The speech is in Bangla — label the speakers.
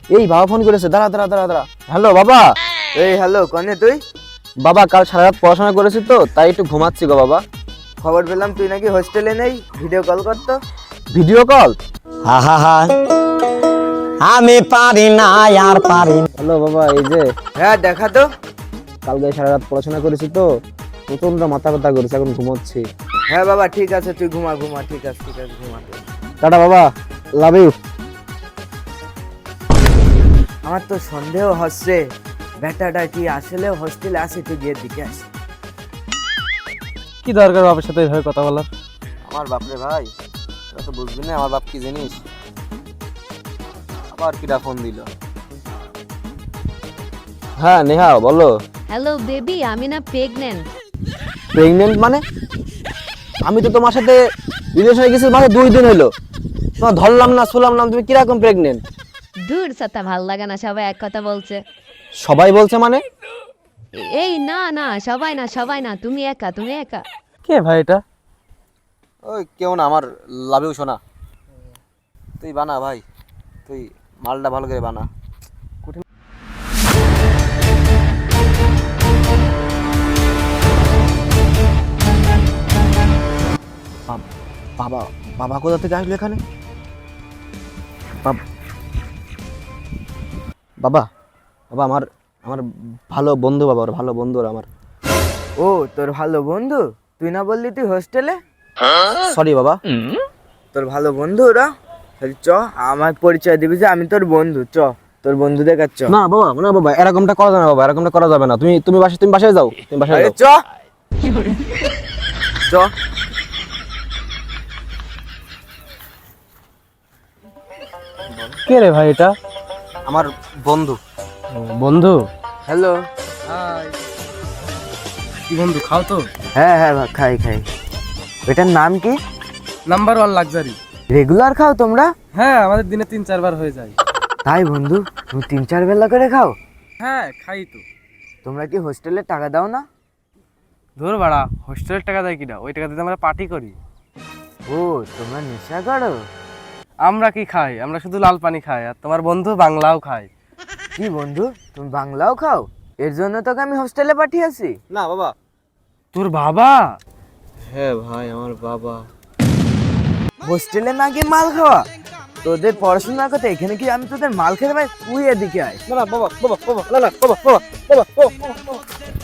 Speaker 1: এই বাবা ফোন করেছে, দাঁড়া দাঁড়া দাঁড়া দাঁড়া। হ্যালো বাবা।
Speaker 2: এই হ্যালো, কনে তুই?
Speaker 1: বাবা কাল সারা রাত পড়াশোনা করেছি তো, তাই একটু ঘুমাচ্ছি গো বাবা।
Speaker 2: খবর পেলাম তুই নাকি হোস্টেলে নেই, ভিডিও কল করতো।
Speaker 1: Video call?
Speaker 3: আমি পারি না আর পারি না।
Speaker 1: হ্যালো বাবা, এই যে
Speaker 2: হ্যাঁ দেখা তো।
Speaker 1: কালকে সারা রাত পড়াশোনা করেছি তো, প্রচন্ড মাথা ব্যথা করেছে, এখন ঘুমোচ্ছি।
Speaker 2: হ্যাঁ বাবা ঠিক আছে, তুই ঘুমা ঘুমা, ঠিক আছে ঘুমা তুই।
Speaker 1: টাটা বাবা, লাভ ইউ।
Speaker 2: আমার তো সন্দেহ হচ্ছে বেটাটা কি আসলে হোস্টেলে আসে, তুই গিয়ে দিকে আসে।
Speaker 1: কি দরকার বাবার সাথে এইভাবে কথা বলার?
Speaker 4: আমার বাপরে ভাই, তোরা তো বুঝবি না আমার বাপ কি জিনিস। আবার কিরা ফোন দিল?
Speaker 1: হ্যাঁ নেহা বলো।
Speaker 5: হ্যালো বেবি, আমি না প্রেগনেন্ট।
Speaker 1: প্রেগনেন্ট মানে? আমি তো তোমার সাথে রিলেশনে গেছি মানে 2 দিন হলো, তোমার ধরলাম না শুনলাম না, তুমি কিরকম প্রেগনেন্ট?
Speaker 5: দূর সাথে ভাল লাগে না, সবাই এক কথা বলছে।
Speaker 1: সবাই বলছে মানে?
Speaker 5: এই না না, সবাই না সবাই না, তুমি একা তুমি একা।
Speaker 1: কে ভাই এটা?
Speaker 4: ওই কেউ না, আমার লাভেও শোনা। তুই বানা ভাই, তুই মালটা ভালো করে বানা।
Speaker 1: বাবা, বাবা কোথা থেকে আসলো এখানে? বাবা, বাবা আমার আমার ভালো বন্ধু, বাবা ওর ভালো বন্ধু ওর আমার।
Speaker 2: ও তোর ভালো বন্ধু? তুই না বললি তুই হোস্টেলে?
Speaker 1: সরি বাবা।
Speaker 2: তোর ভালো বন্ধু ওরা? তাহলে চ, আমার পরিচয় দিবি যে আমি তোর বন্ধু। চ তোর বন্ধু দেখার চ।
Speaker 1: না বাবা, না বাবা, এরকমটা করা যাবে না বাবা, এরকমটা করা যাবে না। তুমি বাসায় যাও, তুমি বাসায়
Speaker 2: আরে
Speaker 1: যাও।
Speaker 2: চ চ।
Speaker 1: কে রে ভাই এটা?
Speaker 4: আমার বন্ধু।
Speaker 1: বন্ধু?
Speaker 2: হ্যালো।
Speaker 6: কি বন্ধু, খাও তো?
Speaker 2: হ্যাঁ হ্যাঁ খাই খাই। এটার নাম কি?
Speaker 6: Number 1 luxury.
Speaker 2: রেগুলার খাও তোমরা?
Speaker 6: হ্যাঁ, আমাদের দিনে 3-4 বার হয়ে যায়।
Speaker 2: তাই বন্ধু, তুমি 3-4 বেলা করে খাও?
Speaker 6: হ্যাঁ খাই তো।
Speaker 2: তোমরা কি হোস্টেলে টাকা দাও না?
Speaker 6: ধর বাড়া, হোস্টেলের টাকা দেয় কিনা? ওই টাকা দিয়ে আমরা পার্টি করি।
Speaker 2: ও তোমরা নেশা করো?
Speaker 6: আমরা কি খাই? আমরা শুধু লাল পানি খাই, আর তোমার বন্ধু বাংলাও খায়।
Speaker 2: কি বন্ধু, তুমি বাংলাও খাও? এর জন্য তোকে আমি হোস্টেলে পাঠিয়েছি।
Speaker 4: না বাবা।
Speaker 6: তোর বাবা?
Speaker 4: হ্যাঁ ভাই, আমার বাবা।
Speaker 2: হোস্টেলে না গিয়ে মাল খাওয়া? তোদের পড়াশোনার কথা এখানে কি আমি তোদের মাল খেতে পাই? তুই এদিকে আয়।
Speaker 4: না না বাবা, বাবা বাবা, না না বাবা বাবা বাবা বাবা।